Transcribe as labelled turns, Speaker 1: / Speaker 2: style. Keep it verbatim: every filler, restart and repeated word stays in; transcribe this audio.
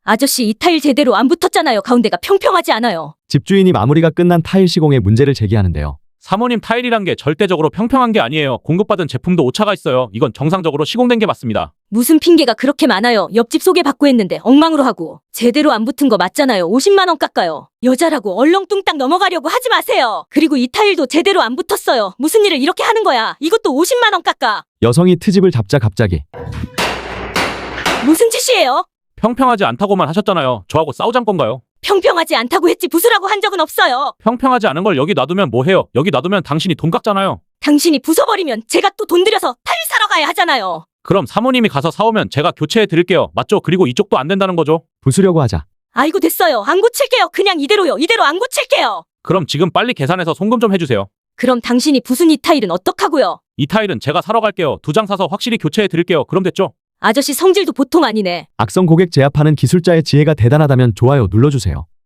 Speaker 1: 아저씨 이 타일 제대로 안 붙었잖아요. 가운데가 평평하지 않아요.
Speaker 2: 집주인이 마무리가 끝난 타일 시공에 문제를 제기하는데요.
Speaker 3: 사모님, 타일이란 게 절대적으로 평평한 게 아니에요. 공급받은 제품도 오차가 있어요. 이건 정상적으로 시공된 게 맞습니다.
Speaker 1: 무슨 핑계가 그렇게 많아요. 옆집 소개받고 했는데 엉망으로 하고. 제대로 안 붙은 거 맞잖아요. 오십만 원 깎아요. 여자라고 얼렁뚱땅 넘어가려고 하지 마세요. 그리고 이 타일도 제대로 안 붙었어요. 무슨 일을 이렇게 하는 거야. 이것도 오십만 원 깎아.
Speaker 2: 여성이 트집을 잡자 갑자기
Speaker 1: 무슨 짓이에요?
Speaker 3: 평평하지 않다고만 하셨잖아요. 저하고 싸우잔 건가요?
Speaker 1: 평평하지 않다고 했지 부수라고 한 적은 없어요.
Speaker 3: 평평하지 않은 걸 여기 놔두면 뭐 해요? 여기 놔두면 당신이 돈 깎잖아요.
Speaker 1: 당신이 부숴버리면 제가 또 돈 들여서 타일 사러 가야 하잖아요.
Speaker 3: 그럼 사모님이 가서 사오면 제가 교체해 드릴게요. 맞죠? 그리고 이쪽도 안 된다는 거죠?
Speaker 2: 부수려고 하자
Speaker 1: 아이고 됐어요. 안 고칠게요. 그냥 이대로요. 이대로 안 고칠게요.
Speaker 3: 그럼 지금 빨리 계산해서 송금 좀 해주세요.
Speaker 1: 그럼 당신이 부순 이 타일은 어떡하고요?
Speaker 3: 이 타일은 제가 사러 갈게요. 두 장 사서 확실히 교체해 드릴게요. 그럼 됐죠?
Speaker 1: 아저씨 성질도 보통 아니네.
Speaker 2: 악성 고객 제압하는 기술자의 지혜가 대단하다면 좋아요 눌러주세요.